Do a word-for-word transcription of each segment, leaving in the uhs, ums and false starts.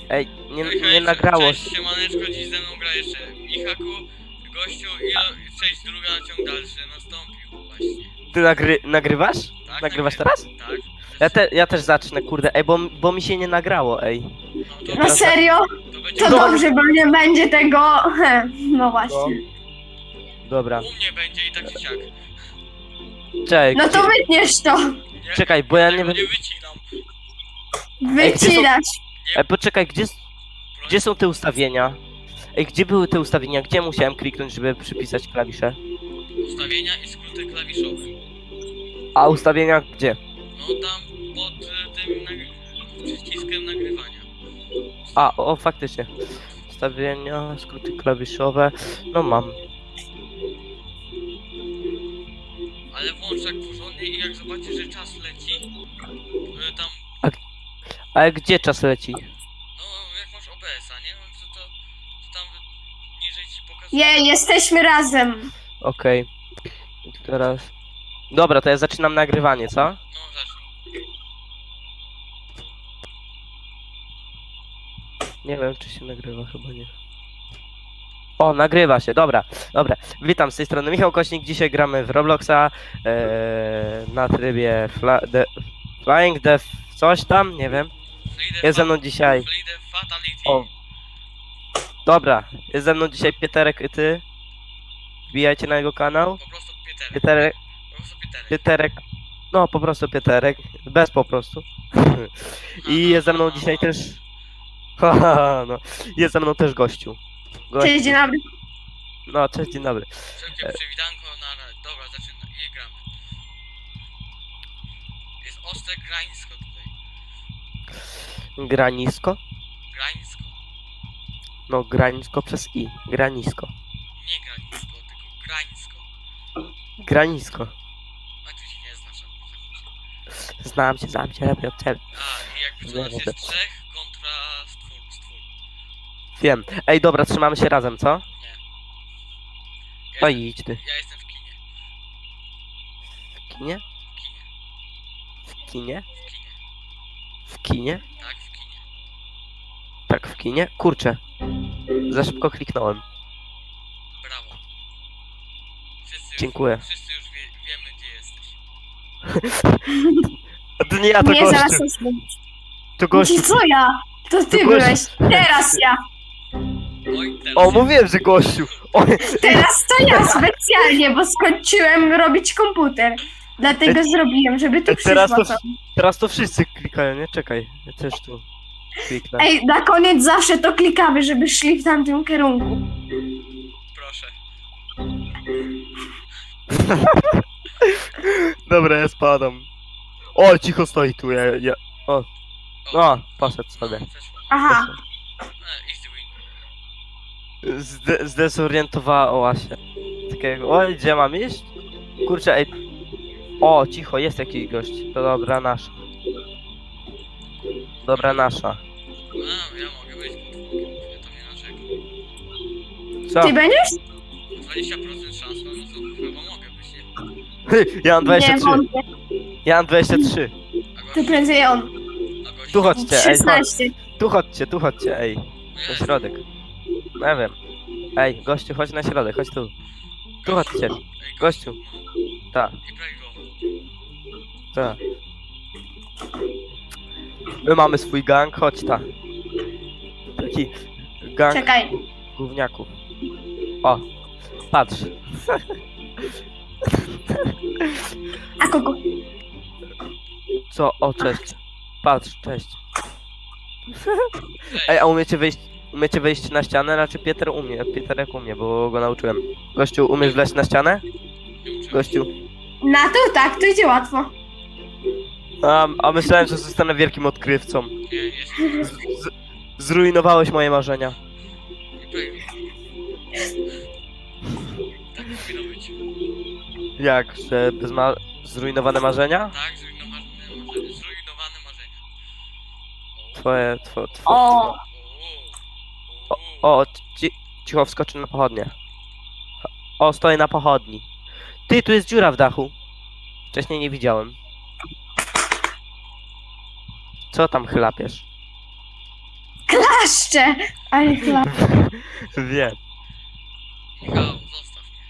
Ej, nie, Hej, nie hej, nagrało cześć, siemaneczko, dziś ze mną gra jeszcze Michaku, gościu i o- część druga, ciąg dalszy nastąpił właśnie. Ty nagry, nagrywasz? Tak, Nagrywasz nagrywam. teraz? Tak. Ja, te, ja też zacznę, kurde, ej, bo, bo mi się nie nagrało, ej. No to, Ja No teraz- serio? to będzie To No. dobrze, bo nie będzie tego... No właśnie. Dobra, u mnie będzie i tak czy siak. czekaj, No to gdzie, wytniesz to. Nie, czekaj, bo ja nie tego wiem... nie wycinam. Ej, gdzie są- Wycinać. Ej, poczekaj, gdzie, Broń. gdzie są te ustawienia? Ej, gdzie były te ustawienia? Gdzie musiałem kliknąć, żeby przypisać klawisze? Ustawienia i skróty klawiszowe. A ustawienia gdzie? No tam pod y, tym nag... przyciskiem nagrywania. A, o, faktycznie. Ustawienia, skróty klawiszowe, no mam. Ale włącz tak porządnie i jak zobaczysz, że czas leci, y, tam, Ale gdzie czas leci? no jak masz O B S-a, nie? No to, to, to tam niżej ci pokazuje. Je, jesteśmy razem. Okej. I teraz... Dobra, to ja zaczynam nagrywanie, co? No zacznij. Nie wiem, czy się nagrywa, chyba nie. O, nagrywa się, dobra, dobra. Witam, z tej strony Michał Kośnik, dzisiaj gramy w Robloxa ee, na trybie fla, de, Flying Death coś tam, nie wiem. Freedom Jest ze mną dzisiaj, Freedom Fatality. o, dobra, jest ze mną dzisiaj Pieterek i ty. Wbijajcie na jego kanał. Po prostu Pieterek. Pieterek, Po prostu Pieterek. Pieterek, no po prostu Pieterek, bez po prostu. I jest ze mną dzisiaj też, haha, no, jest ze mną też gościu. Gościu. Cześć, dzień dobry. No, cześć, dzień dobry. Wszelkie przywitanko na... Dobra, zaczynamy. I gramy. Jest ostre grańsko tutaj. Granisko? Grańsko. No, granisko przez i. Granisko. Nie grańsko, tylko grańsko. Granisko. A ty się nie znasz. a- Znam cię, znam cię, lepiej od ciebie. A, i jakby co Nie, nas nie, jest trzech kontra stwór. stwór. Wiem. Ej, dobra, trzymamy się razem, co? Nie. Ja, No jestem, i idź ty. ja jestem w kinie. W kinie? W kinie. W kinie? W kinie. W kinie? Tak, w kinie. Tak, w kinie? Kurczę. Za szybko kliknąłem. Brawo. Wszyscy już, Dziękuję. Wszyscy już wie, wiemy, gdzie jesteś. A to nie ja, to Nie, gościu. zaraz to zrobię. To gościu. Co ja? To ty To gościu. byłeś. Teraz ja. Oj, teraz... O, mówiłem, że gościu. O, Teraz to ja specjalnie, bo skończyłem robić komputer. Dlatego zrobiłem, żeby tu Ej, teraz przyszło to- co. teraz to wszyscy klikają, nie? Czekaj. Ja też tu kliknę. Ej, na koniec zawsze to klikamy, żeby szli w tamtym kierunku. Proszę. Dobra, ja spadam. O, cicho stoi tu, ja... ja... O, no, poszedł sobie. No, przeszło. Aha. E, easy win. Zde zdezorientowała się. Takiego, oj, gdzie mam iść? Kurczę, ej. O, cicho, jest jakiś gość. To dobra nasza. Dobra nasza. A, ja mogę być podwórkiem, ja to nie narzekam. Co? Ty będziesz? dwadzieścia procent szans, no to chyba mogę być, nie? Ja mam dwadzieścia Nie, trzy. wątpię. Ja mam dwadzieścia trzy. A To gość, prędzej on. a gość, Tu chodźcie, ej, chodź. szesnaście. Tu chodźcie, tu chodźcie, ej. no Na jest. środek. No ja wiem. Ej, gościu, chodź na środek, chodź tu. Tu chodźcie. Ej, Gościu. Tak, I braj go. tak. My mamy swój gang, chodź ta. Taki gang Czekaj. gówniaków. O, patrz. A kogo? Co? O, cześć. Patrz, cześć. Ej, a umiecie wejść, umiecie wejść na ścianę? Raczej Pieter umie, Pieter jak umie, bo go nauczyłem. Gościu, umiesz wleźć na ścianę? Nie uczyłem. Gościu. Na to tak, to idzie łatwo. A, a myślałem, że zostanę wielkim odkrywcą. Nie, jest. Z, z, zrujnowałeś moje marzenia. I braj go. Tak powinno być. Jak, że bez ma... zrujnowane marzenia? Tak, zrujnowane marzenia. Zrujnowane marzenia. Twoje, two, two, O. O, O, o, ci, cicho wskoczy na pochodnie. O, stoję na pochodni. Ty, tu jest dziura w dachu. Wcześniej nie widziałem. Co tam chlapiesz? Klaszcze! Ale klaszcze. Wiem. Michał, zostaw mnie.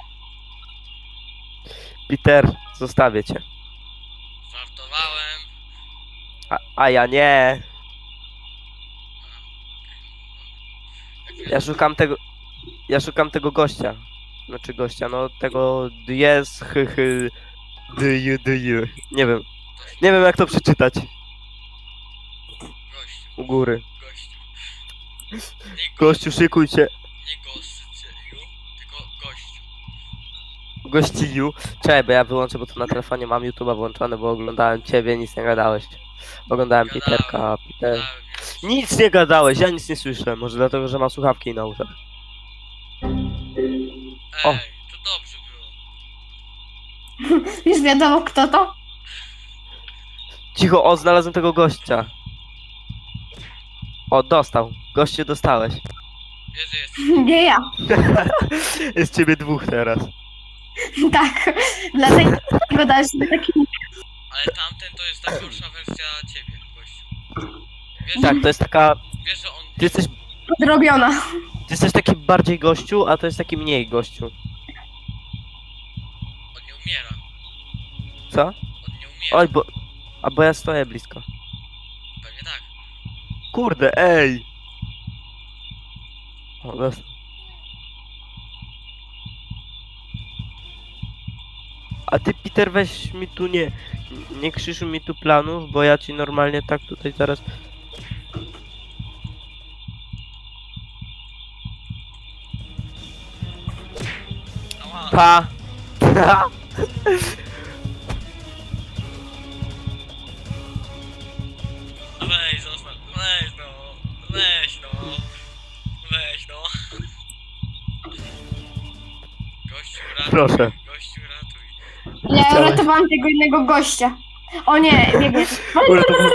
Peter, zostawię cię. Żartowałem. A, a ja nie. Jak mnie Ja szukam tego... Ja szukam tego gościa. Znaczy gościa, no tego jest hy hy dy dy Nie wiem. Nie wiem jak to przeczytać. Gościu, U góry. gościu. Nie, go, Gościu, szykuj się. nie gościu, tylko gościu. Gościju. Czekaj, bo ja wyłączę, bo tu na telefonie mam YouTube'a włączony, bo oglądałem ciebie, nic nie gadałeś. Oglądałem Gadałem. Peterka, Peter... Dałem mnie. Nic nie gadałeś, ja nic nie słyszę. Może dlatego, że mam słuchawki na uszach. O. Ej, to dobrze było. Już wiadomo kto to? Cicho, o, znalazłem tego gościa. O, dostał. Goście dostałeś. Wiesz, że jest. Nie ja. Jest ciebie dwóch teraz. Tak. Dlatego dałeś mi taki... Ale tamten to jest ta gorsza wersja ciebie, gościu. Wiesz, Tak, to jest taka... wiesz, że on. Ty jesteś, Podrobiona. ty jesteś taki bardziej gościu, a to jest taki mniej gościu. On nie umiera. Co? On nie umiera. Oj, bo... A bo ja stoję blisko. Pewnie tak. Kurde, ej! O, dostał. A ty, Peter, weź mi tu nie... Nie krzyżuj mi tu planów, bo ja ci normalnie tak tutaj zaraz... Ała. Pa! Weź, zostaw. Weź no. Weź no. Weź no. Gościu, ratuj. Proszę. Gościu, ratuj. Ja Chciałeś- uratowałam tego innego gościa. O nie, biegnie. Uratował-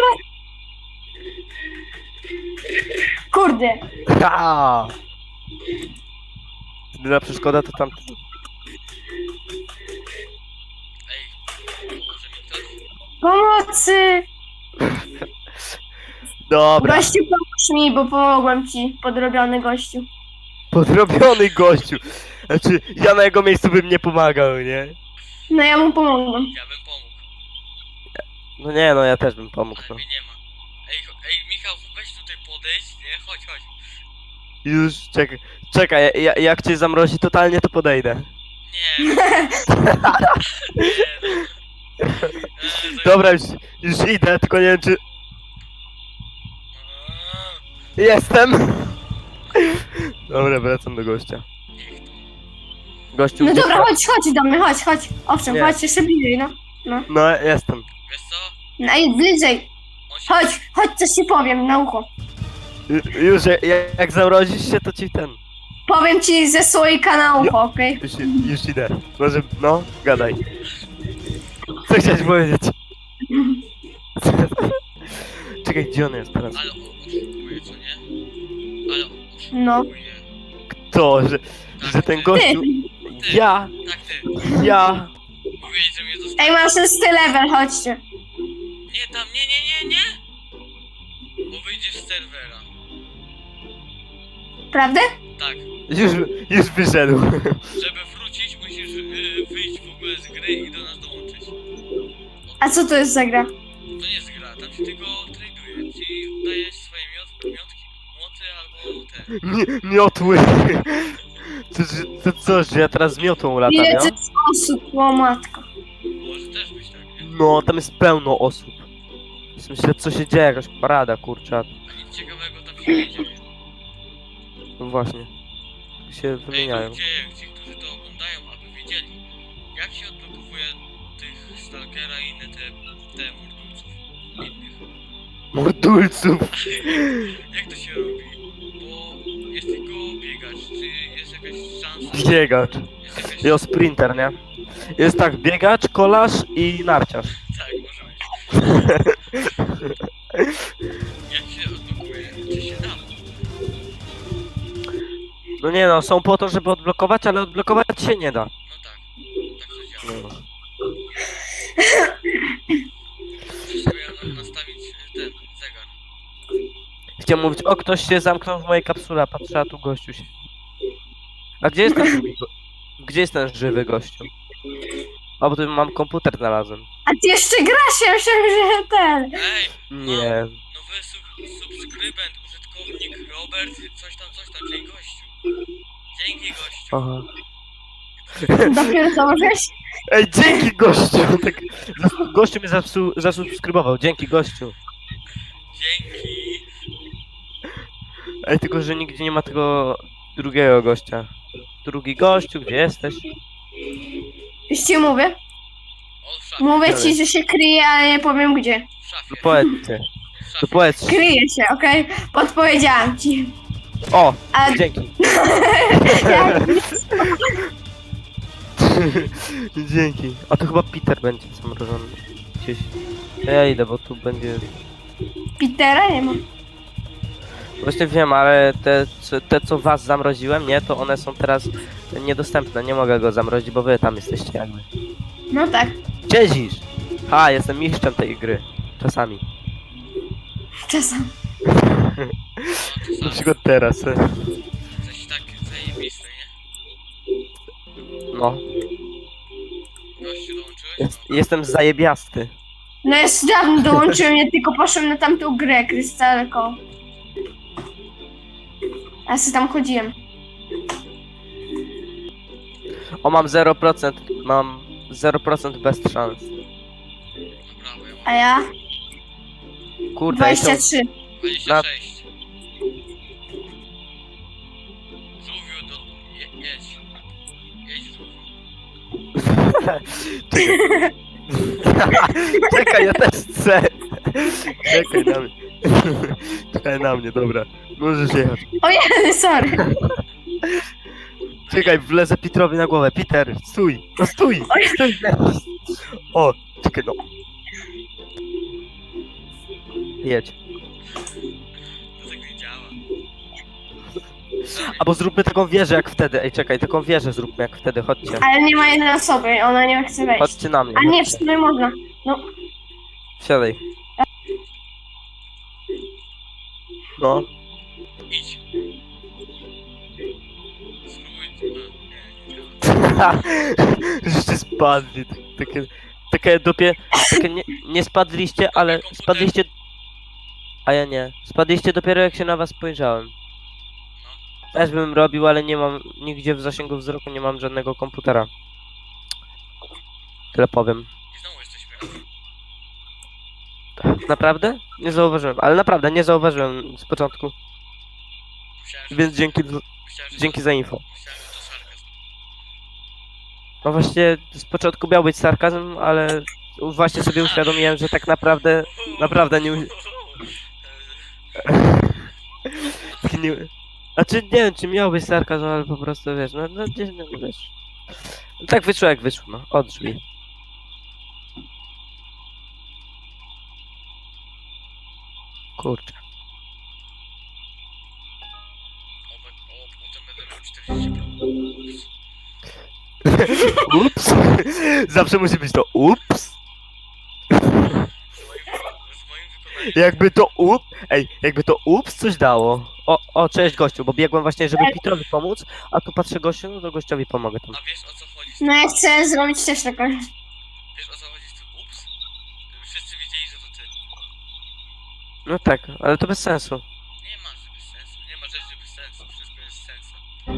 Kurde. Ha! Jedyna przeszkoda to tam... Ej, pomoże mi ktoś? Pomocy! Dobra, Gościu, pomóż mi, bo pomogłem ci, podrobiony gościu. podrobiony gościu. Znaczy, ja na jego miejscu bym nie pomagał, nie? No ja mu pomogłem. Ja bym pomógł, No nie, no ja też bym pomógł, ale no. mnie nie ma. Ej, cho- ej, Michał, weź tutaj podejść, nie? Chodź, chodź. Już, czekaj, czekaj, ja, jak cię zamrozi totalnie, to podejdę. Nie. nie no. Eee, to- Dobra, już, już idę, tylko nie wiem czy... Eee, Jestem! Dobra, wracam do gościa. niech to. Gościu, No gdzieś dobra, tam- chodź, chodź do mnie, chodź, chodź. Owszem, Nie. chodź jeszcze bliżej, no. No, jestem. Wiesz co? No i bliżej. On się... Chodź, chodź, coś ci powiem na ucho. Ju- Już, jak, jak zamrozisz się, to ci ten... Powiem ci ze słoika na ucho, okej? Już, już idę. Może, no, gadaj. Co chciałeś powiedzieć? Czekaj, gdzie on jest teraz? Ale on oszukuje, co nie? Ale on No. oszukuje. To, że, Tak, że ten ty. gościu... Ty. Ja, Tak ty. ja... Mówiłeś, że mnie zostawisz. Ej, mam szósty level, chodźcie. Nie, tam, nie, nie, nie, nie! Bo wyjdziesz z serwera. Prawda? Tak. Już, już wyszedł. Żeby wrócić, musisz yy, wyjść w ogóle z gry i do nas dołączyć. A co to jest za gra? To nie jest gra, tam się tylko traduje. Ci dajesz swoje miot, miotki, młoty albo te. Mi- Miotły. To, to, to co, że ja teraz z miotą latam, Ile ja? to jest osób, o matko. Może też być tak, nie? No, tam jest pełno osób. Więc myślę, co się dzieje, jakaś parada, kurczę. A nic ciekawego tam się nie dzieje. No właśnie. Się Ej, wymieniają. ludzie, ci, którzy to oglądają, aby wiedzieli, jak się odblokowuje tych Stalkera i inne te, te mordulców innych. Mordulców. Jak to się robi? Bo jest tylko biegacz, czy jest jakaś szansa? Biegacz. Jest jakaś... Jo, sprinter, nie? Jest tak, biegacz, kolarz i narciarz. Tak, może być. Jak się odblokuje? Czy się da? No nie no, są po to, żeby odblokować, ale odblokować się nie da. No tak. Tak to działa. No. Muszę sobie na- nastawić ten zegar. chciałem mówić, o, ktoś się zamknął w mojej kapsule, a patrzę, a tu gościu się... A gdzie jest ten drugi go... Gdzie jest ten żywy gościu? O, bo tu mam komputer znalazłem. A ty jeszcze grasz, ja myślałem, że ten. Ej, Nie. nowy sub subskrybent, użytkownik Robert, coś tam, coś tam, dzięki gościu. Dzięki gościu. Aha. Dopiero założyłeś? Ej, dzięki gościu! Tak, zas- gościu mnie zasu- zasubskrybował, dzięki gościu. Dzięki. Ej, tylko że nigdzie nie ma tego drugiego gościa. Drugi gościu, gdzie jesteś? Już ci mówię. On w szafie, Mówię Dalej. ci, że się kryje, ale nie powiem gdzie. w szafie, No powiedzcie. w No szafie. powiedz. Kryje się, okej? Podpowiedziałam ci. O! A Dzięki. jak Dzięki. A to chyba Peter będzie zamrożony. Gdzieś. Ja idę, bo tu będzie... Petera nie ma. Właśnie wiem, ale te, co- te co was zamroziłem, nie? To one są teraz niedostępne. Nie mogę go zamrozić, bo wy tam jesteście jakby. No tak, Siedzisz! Ha, jestem mistrzem tej gry. Czasami. czasem. No, Na czasami. przykład teraz. Coś tak zajebiste, nie? No. Gościu dołączyłeś? Jest, jestem zajebiasty. No jest dawno dołączyłem, ja tylko poszłem na tamtą grę, Krystalką. Ja sobie tam chodziłem. O, mam zero procent. Mam zero procent bez szans. No brawo, ja mam A ja? Kurde, ja dwadzieścia trzy. dwadzieścia sześć. Żółwiu, do... Je, jedź. Jedź żółwiu. Czekaj. Czekaj, ja też chcę. Czekaj na mnie. Czekaj na mnie, dobra. Możesz jechać. O jeden, sorry. Czekaj, wlezę Petrowi na głowę. Peter, stój! No stój! Stój! O, czekaj no. Jedź. To tak nie działa. Albo zróbmy taką wieżę jak wtedy. Ej, czekaj, taką wieżę zróbmy jak wtedy. Chodźcie. Ale nie ma jednej osoby, ona nie chce wejść. Chodźcie na mnie. A nie, w chodźcie. sumie można. Siadaj. No. Idź. Spróbuj... A, nie, nie działa. Żeście spadli. tak- Takie, takie dopie... Takie nie, nie spadliście, ale spadliście... A ja nie. Spadliście dopiero jak się na was spojrzałem. Też bym robił, ale nie mam nigdzie w zasięgu wzroku, nie mam żadnego komputera. Tyle powiem. I znowu jesteśmy razem. Naprawdę? Nie zauważyłem, ale naprawdę nie zauważyłem z początku. Myślałem, że Więc to- dzięki, myślałem, że dzięki to, za info. Myślałem, że to sarkazm. No właśnie z początku miał być sarkazm, ale właśnie sobie uświadomiłem, że tak naprawdę, naprawdę nie... u- tak nie... Znaczy nie wiem, czy miał być sarkazm, ale po prostu wiesz, no, no gdzieś, no wiesz. No, tak wyszło jak wyszło, no, od drzwi. Kurczę. O, be- o, potem będę miał czterdzieści procent. Ups! Zawsze musi być to ups! Z moim, z moim wykonaniem. Jakby to up... Ej, jakby to ups coś dało. O, o, cześć gościu, bo biegłem właśnie, żeby Petrowi pomóc, a tu patrzę gościu, no to gościowi pomogę tam. A wiesz o co chodzi z No ja chcę zrobić też taką. Wiesz o co chodzi z tym ups? Żeby wszyscy wiedzieli, że to ty. No tak, ale to bez sensu. Nie ma że bez sensu, nie ma rzeczy bez sensu, wszystko jest sensem.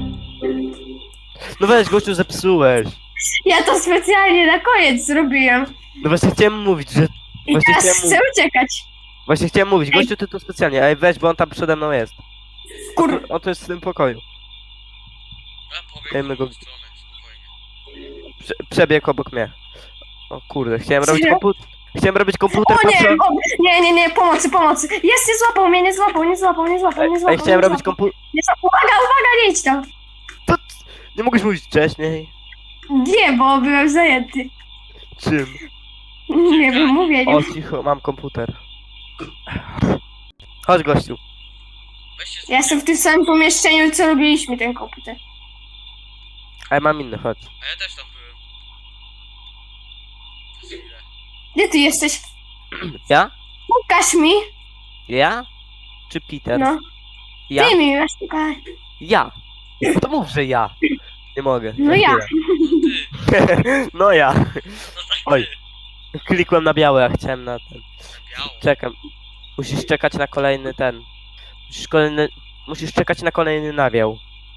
No weź gościu, zepsułeś. Ja to specjalnie na koniec zrobiłem. No właśnie chciałem mówić, że... I Właśnie teraz chciałem chcę uciekać. Właśnie chciałem mówić, Ej. gościu ty to specjalnie, ej weź, bo on tam przede mną jest. Kur... On to jest w tym pokoju. A pobiegł Dajmy w go- drugą stronę, spokojnie. Prze przebiegł obok mnie. O kurde, chciałem robić Serio? komputer. Chciałem robić komputer, O nie, patrzę... o, nie, nie, nie, pomocy, pomocy. Jest, nie złapał mnie, nie złapał, nie złapał, nie złapał, nie złapał. Ej, chciałem nie robić złapał. komputer... Nie złapał. Uwaga, uwaga, nie idź tam. To... Nie mogłeś mówić wcześniej? Nie, bo byłem zajęty. Czym? Nie wiem, mówię, nie. O, cicho, mam komputer. Chodź gościu. Weźcie z... Ja jestem w tym samym pomieszczeniu, co robiliśmy ten komputer. A ja mam inny, chodź. A ja też tam byłem. Przez chwilę. Gdzie ty jesteś? Ja? Pokaż mi. Ja? czy Peter? No, Ja? ty mi szukaj. Ja. No to mów, że ja. Nie mogę. No za ja. chwilę. No ja. No tak Oj. ty. Klikłem na białe, a chciałem na ten. Biało. Czekam. Musisz czekać na kolejny ten. Musisz kolejny. Musisz czekać na kolejny nawiał.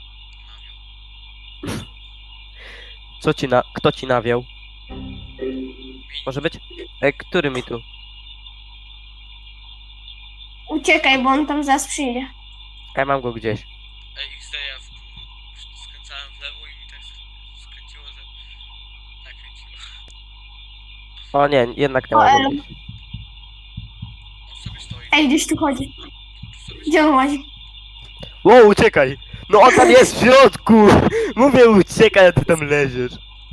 Co ci na. Kto ci nawiał? Może być? E, który mi tu? Uciekaj, bo on tam zaraz przyjdzie. Ja mam go gdzieś. Ej, X D, ja w... skręcałem w lewo i mi tak skręciło, że... nakręciło. O nie, jednak nie O, mam em. go gdzieś. On sobie stoi. Ej, gdzieś tu chodzi. Tu sobie Gdzie on łazi? Wow, uciekaj! No on tam jest w środku! Mówię uciekaj, a ty tam leziesz.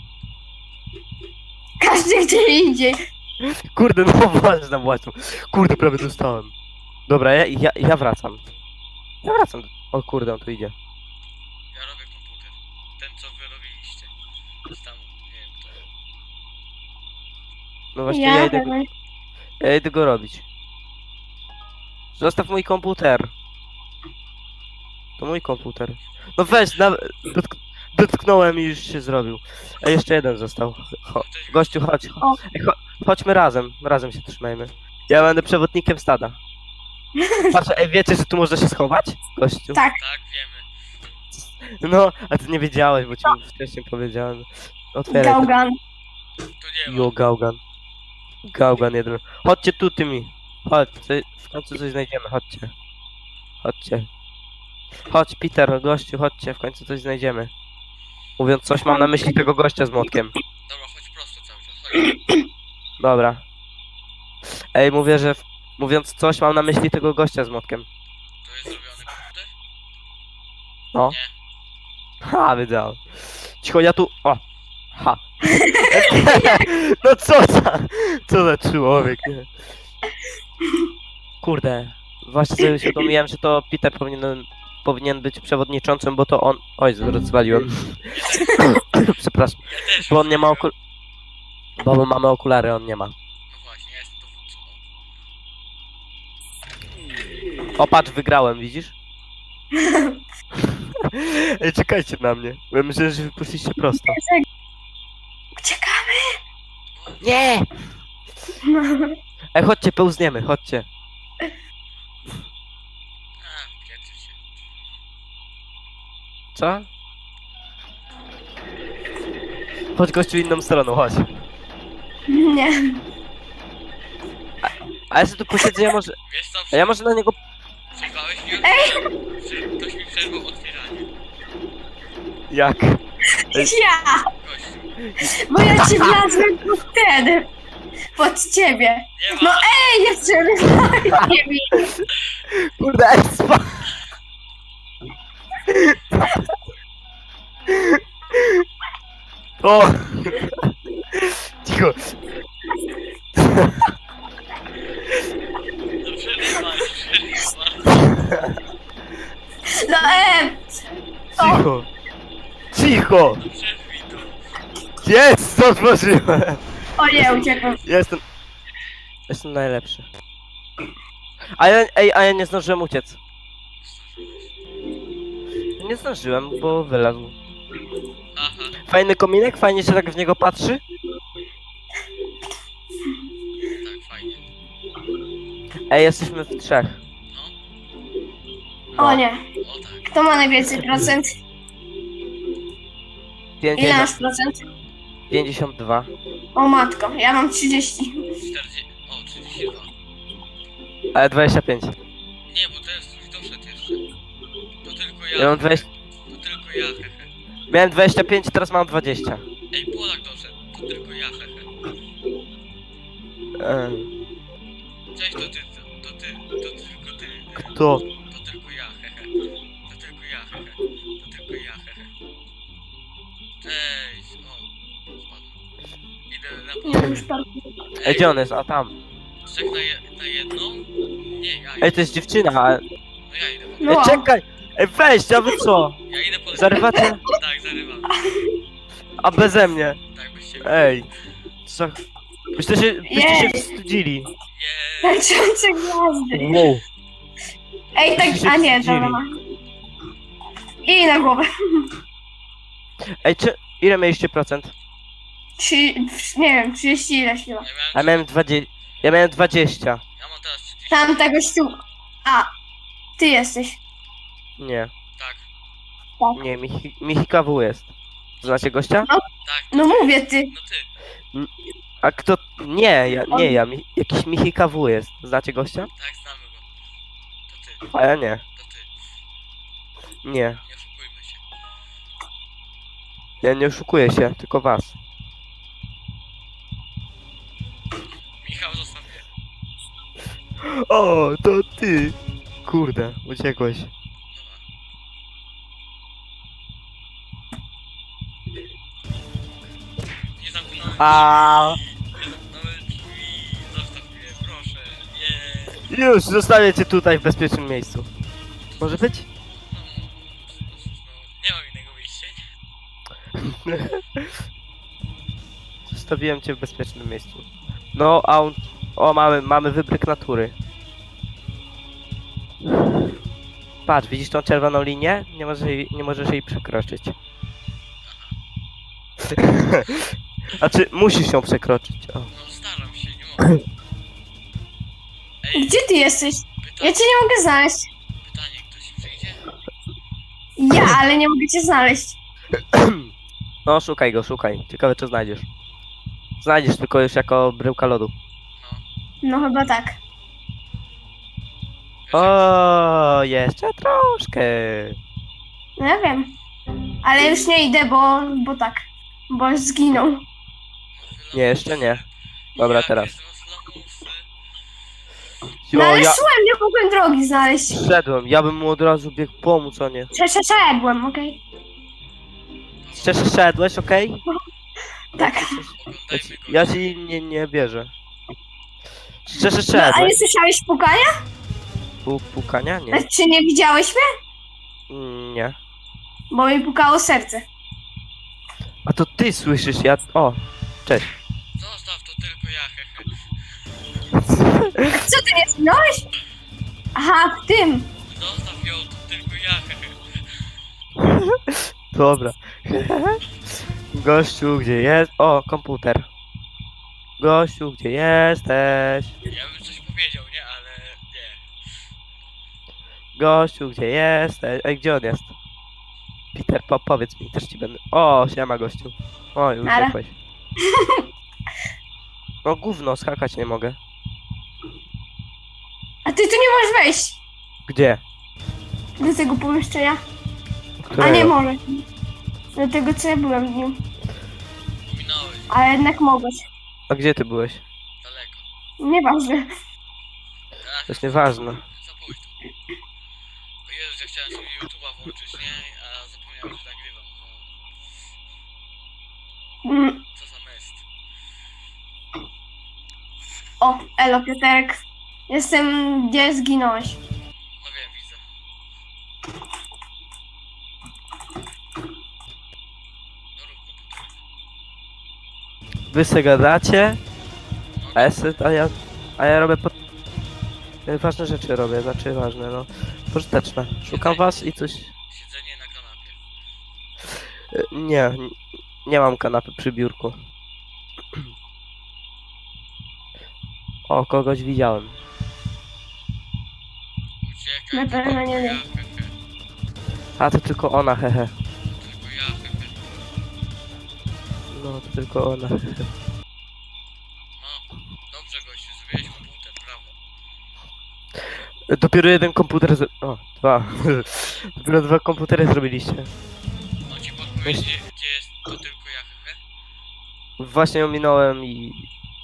Każdy gdzie indziej. Kurde, no właśnie tam właśnie. Kurde, prawie dostałem. Dobra, ja, ja, ja wracam. Ja wracam. O kurde, on tu idzie. Ja robię komputer. Ten, co wy robiliście. Tam, nie wiem kto. No właśnie, ja, Ja idę, go, pewnie. ja idę go robić. Zostaw mój komputer. To mój komputer. No weź, na, dotk dotknąłem i już się zrobił. A jeszcze jeden został. Cho gościu, chodź. O. Ej, cho chodźmy razem. Razem się trzymajmy. Ja będę przewodnikiem stada. Patrz, ej, wiecie, że tu można się schować? Gościu. Tak. Tak, wiemy. No, a ty nie wiedziałeś, bo ci wcześniej powiedziałem. Otwieraj. to. Gałgan. Tu nie ma. Jo, Gaugan. Gaugan jeden. Chodźcie tu tymi. Chodź, co- w końcu coś znajdziemy, chodźcie. Chodźcie. Chodź, Peter, gościu, chodźcie, w końcu coś znajdziemy. Mówiąc coś, mam na myśli tego gościa z młotkiem. Dobra, chodź prosto cały czas. Chodź. Dobra. Ej, mówię, że... W... Mówiąc coś, mam na myśli tego gościa z młotkiem. To jest zrobiony komputer? No. Nie. Ha, wiedziałem. Cicho, ja tu... O! Ha. No co za... Co za człowiek, nie? Kurde. Właśnie sobie uświadomiłem, że to Peter powinien, powinien być przewodniczącym, bo to on... Oj, rozwaliłem. Przepraszam. Ja też. Bo on nie ma okul... Bo my mamy okulary, on nie ma. No właśnie, ja jestem dowódcą. O, patrz, wygrałem, widzisz? Ej, czekajcie na mnie. Bo ja myślę, że wypuściliście prosto. Uciekamy. Nie! Ej, chodźcie, pełzniemy, chodźcie. A, pieczy się. Co? Chodź gościu inną stroną, chodź. Nie. A ja sobie tu posiedzę, ja może... Wiesz co, A ja może na niego... przerwałeś mi otwieranie. Prze- Ktoś mi przerwał otwieranie. Jak? Ja. Gościu. Bo ja ci wlazłem pod ten. Pod ciebie. Nie ma. No ej, nie przerywaj. Nie mi. Kurde, ej, spa... O! Cicho. No przerywaj, przerywaj. No ej. Cicho. Cicho. No przerwij to. Jest, otworzyłem. O nie, uciekłem. Jestem... Jestem najlepszy. A ja, ej, a ja nie zdążyłem uciec. Nie zdążyłem, bo wylazł. Aha. Fajny kominek, fajnie się tak w niego patrzy. Tak, fajnie. Ej, jesteśmy w trzech. No, O nie. o tak. Kto ma najwięcej procent? Ile masz pięćdziesiąt, procent? pięćdziesiąt dwa. O matko, ja mam trzydzieści. czterdzieści... O, trzydzieści dwa. Ale dwadzieścia pięć. Nie, bo teraz ktoś doszedł jeszcze. To tylko ja. Ja mam dwadzieścia... To tylko ja, hehe. Miałem dwadzieścia pięć, teraz mam dwadzieścia. Ej, Polak doszedł. To tylko ja, hehe. Eee, Cześć, to ty, to, to ty, to tylko ty. e, Kto? To tylko ja, hehe. To tylko ja, hehe. To tylko ja, hehe. Cześć, o. Spadłem. Idę na Nie, pole. już pan. Ej, gdzie on jest? A tam. Trzech na, je, na jedną? Nie, ja Ej, idę. to jest dziewczyna, a... No ja idę po No. Ej, czekaj! Ej, weź, a wy co? Ja idę po Zarywacie? Tak, zarywam. A beze mnie? Tak, bez ciebie. Ej. Co? Byście się, byście się Jej. wstydzili. Jeee. Tańczące gwiazdy. Wow. Ej, tak, Wszyscy a nie, wstydzili. dobra. I na głowę. Ej, czy... Ile mieliście procent? Trzy, nie wiem, trzydzieści ileś chyba. Ja Ja miałem... miałem dwadzieścia. Ja miałem dwadzieścia. Ja mam teraz trzydzieści. Tam tego ściu... A, ty jesteś. Nie, Tak, nie, Michi, Michi K W jest. Znacie gościa? tak. No mówię ty. No ty. A kto... Nie, ja, nie ja, mi, jakiś Michi K W jest. Znacie gościa? Tak, znamy go. To ty, A ja nie. to ty. Nie. Nie oszukujmy się. Ja nie oszukuję się, tylko was. Michał, zostaw mnie. O, to ty! Kurde, uciekłeś. Dobra. Nie zamknąłem A drzwi. Nie zamknąłem drzwi. Zostaw mnie, proszę. Nie. już, zostawię cię tutaj w bezpiecznym miejscu. Może być? No, no, nie mam innego wyjścia. Zostawiłem cię w bezpiecznym miejscu. No, a on... O, mamy, mamy wybryk natury. Patrz, widzisz tą czerwoną linię? Nie możesz jej, nie możesz jej przekroczyć. A czy musisz ją przekroczyć? O. No staram się, nie mogę. Ej, Gdzie ty jesteś? Ja pytanie, cię nie mogę znaleźć. pytanie, ktoś przyjdzie? Ja, ale nie mogę cię znaleźć. No, szukaj go, szukaj. Ciekawe, czy znajdziesz. Znajdziesz tylko już jako bryłka lodu. No. No chyba tak. Wiesz, O, jeszcze troszkę. No ja wiem. Ale już nie idę, bo, bo tak. Bo zginął. jak- Nie, jeszcze nie. Dobra, Jak teraz. jestem z lamusy. No Jo, ale ja szłem, nie mogłem drogi znaleźć. szedłem, ja bym mu od razu biegł pomóc, a nie. Przeszedłem, okej? Szczerze szedłeś, okej? Tak. Ja, Oglądajmy ci- go. ja ci nie, nie wierzę. Szczerze No, a nie szedłeś? słyszałeś pukania? Pu- Pukania? Nie. Czy nie widziałeś mnie? Mm, Nie. Bo mi pukało serce. A to ty słyszysz, ja... O, cześć. Zostaw to tylko ja, hehe. Co, ty nie zginąłeś? Aha, w tym. Zostaw ją, to tylko ja, hehe. Dobra. Gościu, gdzie jest? O, komputer. Gościu, gdzie jesteś? Ja bym coś powiedział, nie? Ale nie. Gościu, gdzie jesteś? Ej, gdzie on jest? Peter, po powiedz mi, też ci będę... O, siema gościu. O, już Nara. uciekłeś. No gówno, skakać nie mogę. A ty tu nie możesz wejść Gdzie? do tego pomieszczenia. A Którego? nie możesz. Do tego, co ja byłem w nim. Minąłeś Ale jednak mogłeś. A gdzie ty byłeś? daleko. Nieważne. Ach, To jest nieważne. za późno. O Jezus, ja chciałem sobie YouTube'a włączyć, nie? A zapomniałem, że nagrywam. No, Mm. co za mest. O, elo Piotrek. Jestem, gdzie zginąłeś. No wiem, widzę. No rób komputer. Wy se gadacie, No, a ja, se, a ja, a ja robię pod... Ważne rzeczy robię, znaczy ważne, no. Pożyteczne. Szukam was i coś... siedzenie na kanapie. E, Nie, n- nie mam kanapy przy biurku. O, kogoś widziałem. Uciekaj, Na to pewno tylko nie ja, wiem. hehe. A, to tylko ona, hehe. Tylko ja, hehe. No, to tylko ona, hehe. No, dobrze gościu, zrobiłeś komputer, brawo. Dopiero jeden komputer z... O, dwa. Dopiero dwa komputery zrobiliście. On ci podpowie, gdzie, gdzie jest to tylko ja, hehe? Właśnie ją minąłem i...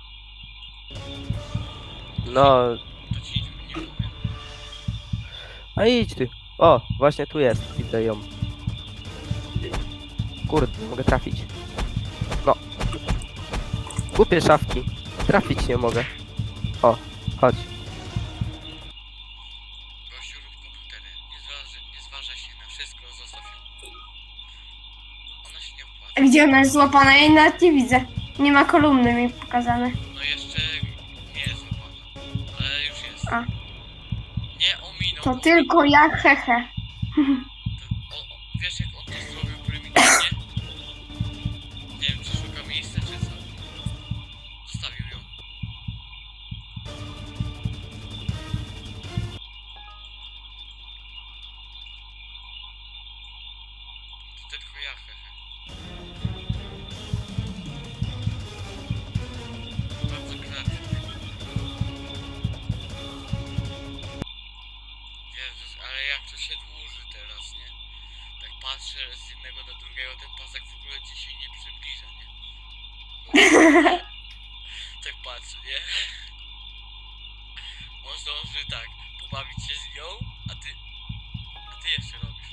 No, To ci nic nie powiem. a idź ty. O, właśnie tu jest, widzę ją. Kurde, nie mogę trafić. No. Głupie szafki. Trafić nie mogę. O, chodź. Gościu, rób komputery. Nie zważaj, nie zważaj się na wszystko, zostaw ją. Ona się nie opłaca. A gdzie ona jest złapana? Ja jej nawet nie widzę. Nie ma kolumny mi pokazane. No jeszcze nie jest opłata. Ale już jest. A. Nie ominął minął... To tylko ja, hehe. To, o, o, wiesz jak on to zrobił prymitywnie? Nie wiem czy szuka miejsca czy co. Zostawił ją. To tylko ja, hehe. Bardzo kreatywny. Jezus, ale jak to się dłuży teraz, nie? Tak patrzę z jednego na drugiego, ten pasek w ogóle ci się nie przybliża, nie? Tak patrzę, nie? On zdąży tak, pobawić się z nią, a ty... A ty jeszcze robisz.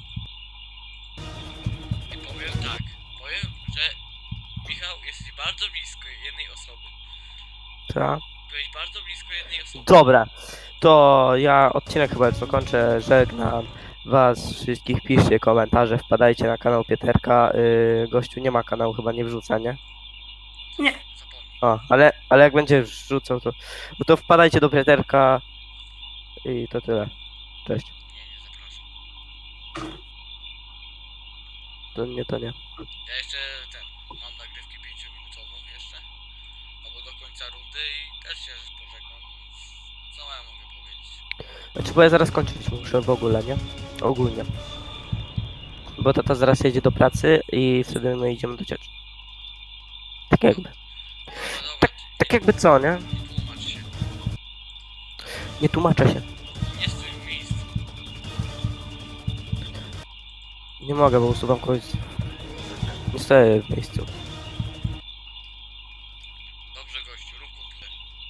I powiem tak, powiem, że Michał, jesteś bardzo blisko jednej osoby. Tak. Byłeś bardzo blisko jednej osoby. Dobra, to ja odcinek chyba już zakończę. Żegnam was wszystkich. Piszcie komentarze, wpadajcie na kanał Pieterka. Yy, gościu nie ma kanału, chyba nie wrzuca, nie? Nie. Zapomnij. O, ale, ale jak będzie wrzucał, to, no to wpadajcie do Pieterka i to tyle. Cześć. Nie, nie zapraszam. To nie, to nie. Ja jeszcze ten, mam nagrywki pięciominutową jeszcze. Albo do końca rundy i też się pożegnam. Co ja mogę powiedzieć? Znaczy, bo ja zaraz kończyć muszę w ogóle, nie? Ogólnie. Bo tata zaraz jedzie do pracy i wtedy my idziemy do cioci. Tak jakby. Dobra, dobra, Tak jakby co, nie? nie tłumacz się. Nie tłumaczę się. Nie stój w miejscu. Nie mogę, bo usuwam kogoś. Nie stoję w miejscu. Dobrze gościu, rób komputer.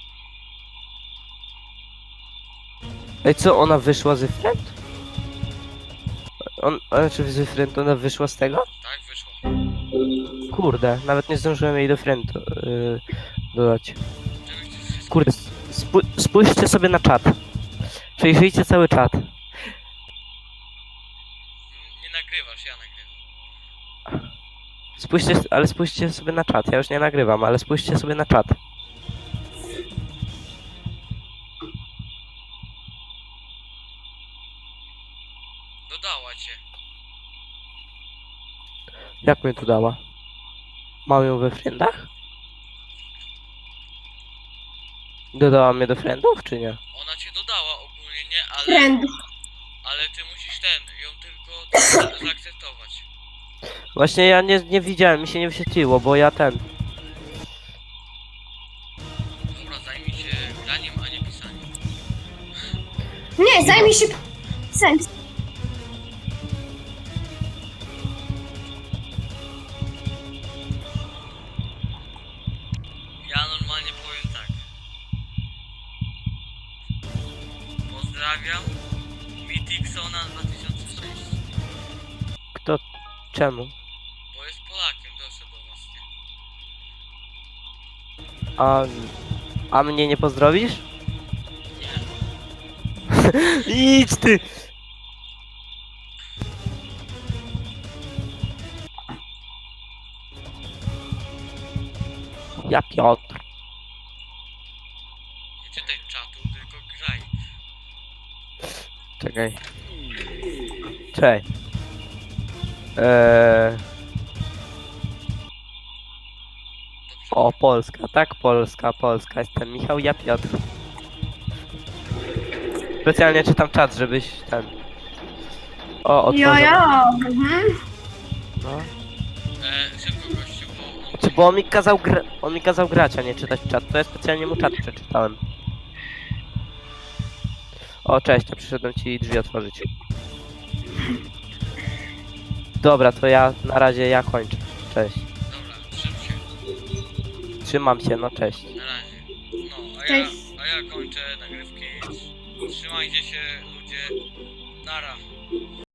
Ej, co, ona wyszła z friend? On, znaczy z friend, ona wyszła z tego? Tak, wyszło. Kurde, nawet nie zdążyłem jej do friend yy, dodać. Żeby ci wszystko... Kurde, spó spójrzcie sobie na czat. Przejrzyjcie cały czat. N- Nie nagrywasz, ja nagrywam. Spójrzcie, ale spójrzcie sobie na czat. Ja już nie nagrywam, ale spójrzcie sobie na czat. Dodała cię. Jak mnie tu dała? Mam ją we friendach? Dodała mnie do friendów, czy nie? Ona cię dodała ogólnie, nie? Ale, Trend. ale ty musisz ten, ją tylko za- zaakceptować. Właśnie ja nie, nie widziałem, mi się nie wyświetliło, bo ja ten... Dobra, zajmij się graniem, a nie pisaniem. Nie, zajmij się sens. Ja normalnie powiem tak. Pozdrawiam. Mitiksona dwa tysiące sześć. Kto? Czemu? Bo jest Polakiem, doszedł do nas, nie? A... A mnie nie pozdrowisz? Nie. Idź ty! Ja Piotr. Nie czytaj czatu, tylko graj. Czekaj. Cześć. Eee... Dobrze. O, Polska, tak? Polska, Polska. Jestem Michał, ja Piotr. Specjalnie czytam czat, żebyś ten... O, Jo, otworzył. jo. Mhm. No. E, szybko gościu, bo on... Znaczy, bo on mi kazał gra... on mi kazał grać, a nie czytać czat. To ja specjalnie mu czat przeczytałem. O, cześć, ja przyszedłem ci drzwi otworzyć. Dobra, to ja na razie ja kończę. Cześć. Dobra, trzym się. Trzymam się, no cześć. Na razie. No, a ja, Cześć. a ja kończę nagrywki. Trzymajcie się ludzie. Nara.